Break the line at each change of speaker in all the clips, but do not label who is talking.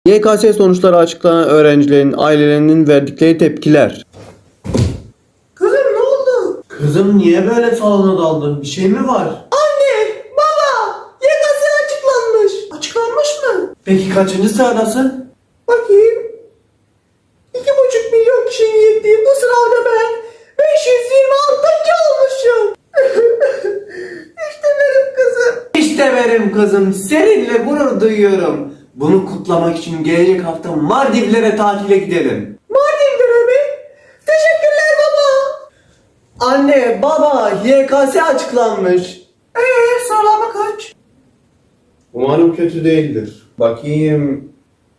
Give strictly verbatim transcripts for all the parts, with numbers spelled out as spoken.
Y K S sonuçları açıklanan öğrencilerin ailelerinin verdikleri tepkiler.
Kızım ne oldu?
Kızım niye böyle salona daldın? Bir şey mi var?
Anne, baba, Y K S açıklanmış. Açıklanmış mı?
Peki kaçıncı sıradasın?
Bakayım. İki buçuk milyon kişinin girdiği bu sınavda ben beş yüz yirmi altıncı olmuşum. İşte benim kızım.
İşte benim kızım. Seninle gurur duyuyorum. Bunu kutlamak için gelecek hafta Maldivlere tatile gidelim.
Mardin'de mi? Teşekkürler baba.
Anne, baba, Y K S açıklanmış.
Eee sıralama kaç?
Umarım kötü değildir. Bakayım.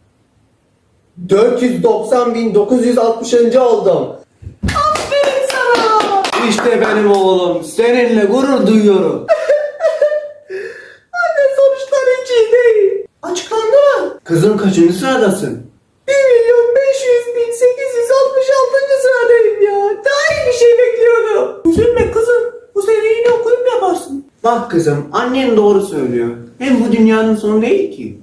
dört yüz doksan bin dokuz yüz altmışıncı oldum.
Aferin sana.
İşte benim oğlum. Seninle gurur duyuyorum.
Anne sonuçlar hiç iyi değil. Açıklandı mı?
Kızım kaçıncı sıradasın?
bir milyon beş yüz bin sekiz yüz altmış altıncı sıradayım ya. Daha iyi bir şey bekliyordum. Üzülme kızım. Bu sene yine okuyup yaparsın.
Bak kızım, annen doğru söylüyor. Hem bu dünyanın sonu değil ki.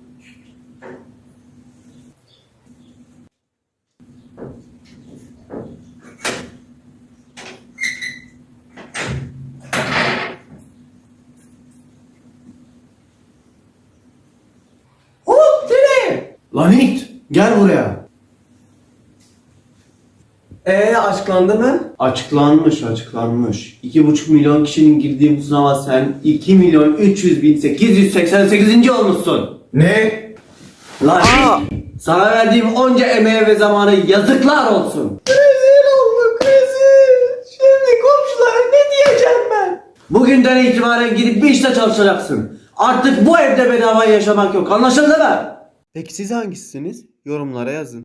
Hop nereye?
Lan it, gel buraya. Ee açıklandı mı? Açıklanmış, açıklanmış. iki buçuk milyon kişinin girdiği bu sınava sen iki milyon üç yüz bin sekiz yüz seksen sekizinci olmuşsun.
Ne?
Lan it, sana verdiğim onca emeğe ve zamana yazıklar olsun.
Rezil olduk rezil. Şimdi komşulara ne diyeceğim ben?
Bugünden itibaren gidip bir işte çalışacaksın. Artık bu evde bedava yaşamak yok, anlaşıldı mı? Peki siz hangisiniz? Yorumlara yazın.